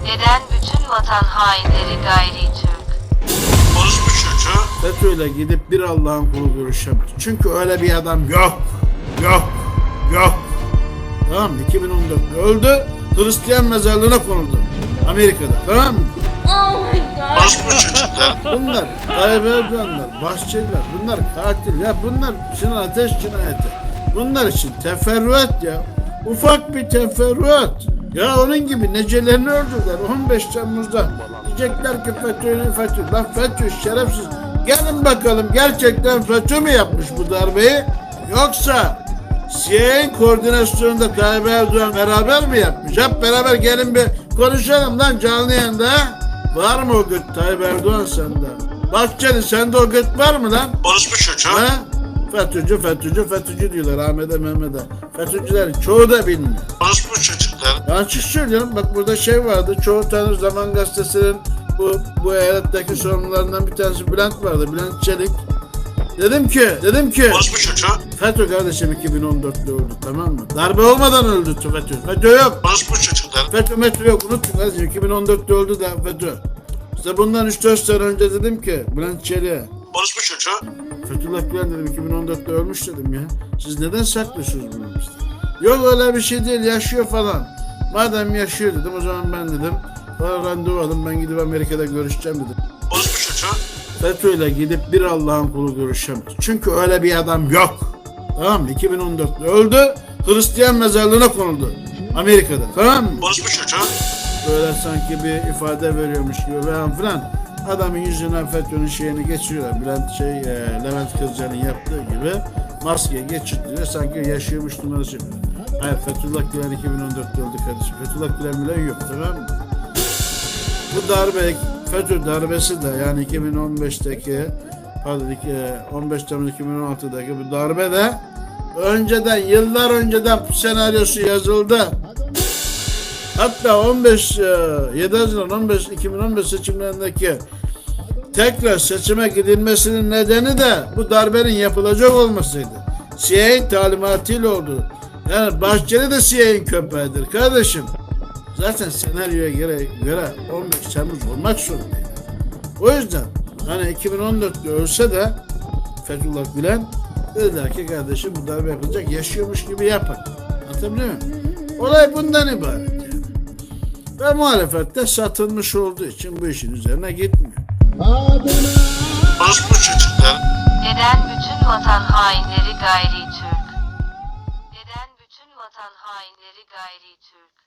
Neden bütün vatan hainleri gayri Türk? Orospu çocuğu. FETÖ'yle gidip bir Allah'ın kulu görüşemez. Çünkü öyle bir adam yok. Yok. Yok. Tamam mı? 2014'te öldü. Hristiyan mezarlığına konuldu. Amerika'da. Tamam mı? Orospu çocuklar. Bunlar Tayyip Erdoğanlar, Bahçeliler, bunlar katil ya, bunlar Sinan Ateş cinayeti. Bunlar için teferruat ya. Ufak bir teferruat. Ya onun gibi necelerini öldürdüler 15 Temmuz'da. Diyecekler ki FETÖ. Lan FETÖ şerefsiz. Gelin bakalım gerçekten FETÖ mü yapmış bu darbeyi? Yoksa CIA'nin koordinasyonunda Tayyip Erdoğan beraber mi yapmış? Hep beraber gelin bir konuşalım lan canlı yayında. Var mı o gıt Tayyip Erdoğan sende? Bahçeli sende o gıt var mı lan? Orospu çocuğu. Ha? FETÖ'cü diyorlar Ahmet'e Mehmet'e. FETÖ'cülerin çoğu da bilmiyor. Orospu çocuklar. Ben açık söylüyorum bak burada şey vardı. Çoğu tanır Zaman Gazetesi'nin bu eyaletteki sorumlularından bir tanesi Bülent vardı. Bülent Çelik. Dedim ki Orospu çocuğu. FETÖ kardeşim 2014'te öldü tamam mı? Darbe olmadan öldü FETÖ. FETÖ yok. Orospu çocuklar. FETÖ yok unutun kardeşim 2014'te öldü da FETÖ. İşte bundan 3-4 sene önce dedim ki Bülent Çelik'e Orospu çocuğu. Fethullah Gülen dedim 2014'te ölmüş dedim ya. Siz neden saklıyorsunuz bunu işte? Yok öyle bir şey değil yaşıyor falan. Madem yaşıyor dedim o zaman ben dedim bana randevu alın ben gidip Amerika'da görüşeceğim dedim. Orospu çocuğu. FETÖ'yle gidip bir Allah'ın kulu görüşemez. Çünkü öyle bir adam yok. Tamam mı? 2014'te öldü. Hristiyan mezarlığına konuldu. Amerika'da. Tamam mı? Orospu çocuğu. Böyle sanki bir ifade veriyormuş gibi falan filan. Adamın yüzünden FETÖ'nün şeyini geçiriyorlar. Levent Kırca'nın yaptığı gibi maske geçirtiyor. Sanki yaşıyormuş numarası yapıyor. Hayır Fethullah Gülen 2014'te öldü kardeşim. Fethullah Gülen bile yok tamam mı? Bu darbe FETÖ darbesi de yani 2015'teki 15 Temmuz 2016'daki bu darbe de yıllar önceden senaryosu yazıldı. Hatta 7 Haziran 2015 seçimlerindeki tekrar seçime gidilmesinin nedeni de bu darbenin yapılacak olmasıydı. CIA'nin talimatıyla oldu. Yani Bahçeli de CIA'nin köpeğidir kardeşim. Zaten senaryoya göre 15 Temmuz olmak zorundaydı. O yüzden hani 2014'te ölse de Fethullah Gülen dediler ki kardeşim bu darbe yapılacak yaşıyormuş gibi yapın. Anlatabiliyor muyum? Olay bundan ibaret yani. Ve muhalefette satılmış olduğu için bu işin üzerine gitmiyor. Orospu çocuklar. Neden bütün vatan hainleri gayri Türk? Neden bütün vatan hainleri gayri Türk?